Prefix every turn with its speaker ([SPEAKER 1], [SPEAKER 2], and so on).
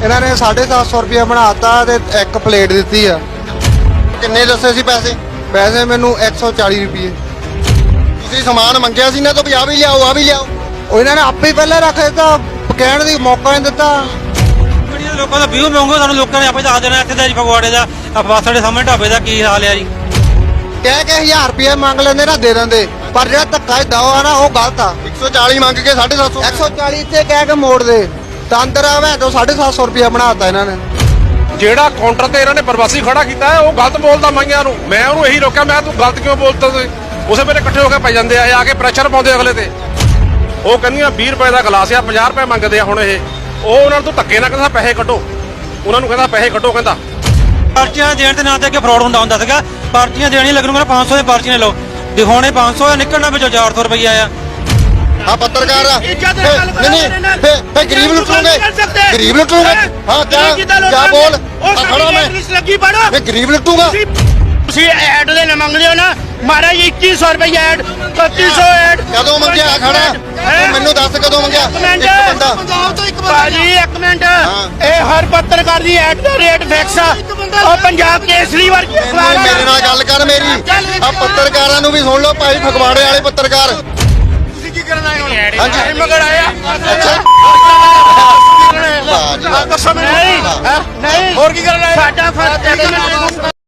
[SPEAKER 1] ਇਹਨਾਂ ਨੇ 750 ਰੁਪਏ ਬਣਾਤਾ ਤੇ ਇੱਕ ਪਲੇਟ ਦਿੱਤੀ ਆ।
[SPEAKER 2] ਕਿੰਨੇ ਦੱਸੇ ਸੀ ਪੈਸੇ?
[SPEAKER 1] ਪੈਸੇ ਮੈਨੂੰ 140 ਰੁਪਏ।
[SPEAKER 2] ਤੁਸੀਂ ਸਮਾਨ ਮੰਗਿਆ ਸੀ ਨਾ ਤਾਂ ਵੀ ਆ ਵੀ ਲਿਆਓ, ਆ ਵੀ ਲਿਆਓ।
[SPEAKER 1] ਉਹ ਇਹਨਾਂ ਨੇ ਆਪੇ ਹੀ ਪਹਿਲਾਂ ਰੱਖ ਦਿੱਤਾ, ਕਹਿਣ ਦੀ ਮੌਕਾ ਨਹੀਂ ਦਿੱਤਾ।
[SPEAKER 3] ਲੋਕਾਂ ਦਾ ਵਿਊ ਮੰਗੋ, ਸਾਨੂੰ ਲੋਕਾਂ ਨੇ ਆਪੇ ਦੱਸ ਦੇਣਾ ਇੱਥੇ ਦਾ ਜੀ ਫਗਵਾੜੇ ਦਾ ਬੱਸ ਦੇ ਸਾਹਮਣੇ ਢਾਬੇ ਦਾ ਕੀ ਹਾਲ ਆ ਜੀ।
[SPEAKER 1] ਕਹਿ ਕੇ 1000 ਰੁਪਏ ਮੰਗ ਲੈਂਦੇ ਨਾ ਦੇ ਦਿੰਦੇ, ਪਰ ਜਿਹੜਾ ਧੱਕਾ ਦਾਓ ਆ ਨਾ ਉਹ ਗਲਤ ਆ।
[SPEAKER 2] 140 ਮੰਗ ਕੇ 750
[SPEAKER 1] 140 ਇੱਥੇ ਕਹਿ ਕੇ ਮੋੜ ਦੇ ਤਾਂ ਅੰਦਰ ਆਵੇ ਤਾਂ 750 ਰੁਪਏ ਬਣਾਤਾ ਇਹਨਾਂ ਨੇ।
[SPEAKER 4] ਜਿਹੜਾ ਕਾਊਂਟਰ ਤੇ ਇਹਨਾਂ ਨੇ ਪ੍ਰਵਾਸੀ ਖੜਾ ਕੀਤਾ ਹੈ ਉਹ ਗਲਤ ਬੋਲਦਾ ਮਾਈਆਂ ਨੂੰ। ਮੈਂ ਉਹਨੂੰ ਇਹੀ ਰੋਕਿਆ, ਮੈਂ ਤੂੰ ਗਲਤ ਕਿਉਂ ਬੋਲਦਾ? ਤੁਸੀਂ ਉਸੇ ਵੇਲੇ ਇਕੱਠੇ ਹੋ ਕੇ ਪੈ ਜਾਂਦੇ ਆ ਕੇ ਪ੍ਰੈਸ਼ਰ ਪਾਉਂਦੇ ਅਗਲੇ ਤੇ। ਉਹ ਕਹਿੰਦੀਆਂ 20 ਰੁਪਏ ਦਾ ਗਲਾਸ ਆ, 50 ਰੁਪਏ ਮੰਗਦੇ ਆ ਹੁਣ ਇਹ। ਉਹ ਉਹਨਾਂ ਨੂੰ ਧੱਕੇ ਨਾਲ ਕਹਿੰਦਾ ਪੈਸੇ ਕੱਢੋ, ਉਹਨਾਂ ਨੂੰ ਕਹਿੰਦਾ ਪੈਸੇ ਕੱਢੋ। ਕਹਿੰਦਾ
[SPEAKER 3] ਪਰਚੀਆਂ ਦੇਣ ਦੇ ਨਾਂ ਤੇ ਅੱਗੇ ਫਰਾਡ ਹੁੰਦਾ ਸੀਗਾ। ਪਰਚੀਆਂ ਦੇਣੀਆਂ ਲੱਗਣ ਮੇਰਾ 500 ਦੀ ਪਰਚੀਆਂ ਲਓ, ਦਿਖਾਉਣੇ 500 ਆ, ਨਿਕਲਣਾ ਵਿੱਚੋਂ 400 ਰੁਪਈਆ ਆ।
[SPEAKER 2] ਆ ਪੱਤਰਕਾਰ ਆ ਨਹੀਂ ਫੇ ਗਰੀਬ ਲੁੱਟੋਗੇ, ਗਰੀਬ ਲੁੱਟੋਗੇ। ਹਾਂ ਕਿਆ ਬੋਲ ਖੜਾ ਮੈਂ
[SPEAKER 5] ਲੱਗੀ ਪੜੋ
[SPEAKER 2] ਫੇ ਗਰੀਬ ਲੁੱਟੂਗਾ।
[SPEAKER 5] ਤੁਸੀਂ ਐਡ ਦੇ ਨਾ ਮੰਗਦੇ ਹੋ ਨਾ ਮਹਾਰਾਜ 2100 ਰੁਪਏ ਐਡ 3100 ਐਡ
[SPEAKER 2] ਕਦੋਂ ਮੰਗਿਆ? ਖੜਾ ਤੂੰ ਮੈਨੂੰ ਦੱਸ ਕਦੋਂ ਮੰਗਿਆ? ਇੱਕ ਬੰਦਾ
[SPEAKER 5] ਭਾਜੀ ਇੱਕ ਮਿੰਟ, ਇਹ ਹਰ ਪੱਤਰਕਾਰ ਦੀ ਐਡ ਦਾ ਰੇਟ ਫਿਕਸ ਆ। ਉਹ ਪੰਜਾਬ ਕੇਸਰੀ ਵਰਗੀ ਅਖਬਾਰ
[SPEAKER 2] ਮੇਰੇ ਨਾਲ ਗੱਲ ਕਰ ਮੇਰੀ। ਆ ਪੱਤਰਕਾਰਾਂ ਨੂੰ ਵੀ ਸੁਣ ਲਓ ਭਾਈ, ਫਗਵਾੜੇ ਵਾਲੇ ਪੱਤਰਕਾਰ।
[SPEAKER 5] ਤੁਸੀਂ ਕੀ ਕਰਨ ਆਏ ਹੋ?
[SPEAKER 2] ਹਾਂਜੀ
[SPEAKER 5] ਮਗਰ ਆਇਆ
[SPEAKER 2] ਅੱਛਾ
[SPEAKER 5] ਦੱਸੋ ਮੈਨੂੰ। ਨਹੀਂ ਹੋਰ ਕੀ ਕਰਨ ਆਏ? ਸਾਡਾ ਫਰਜ਼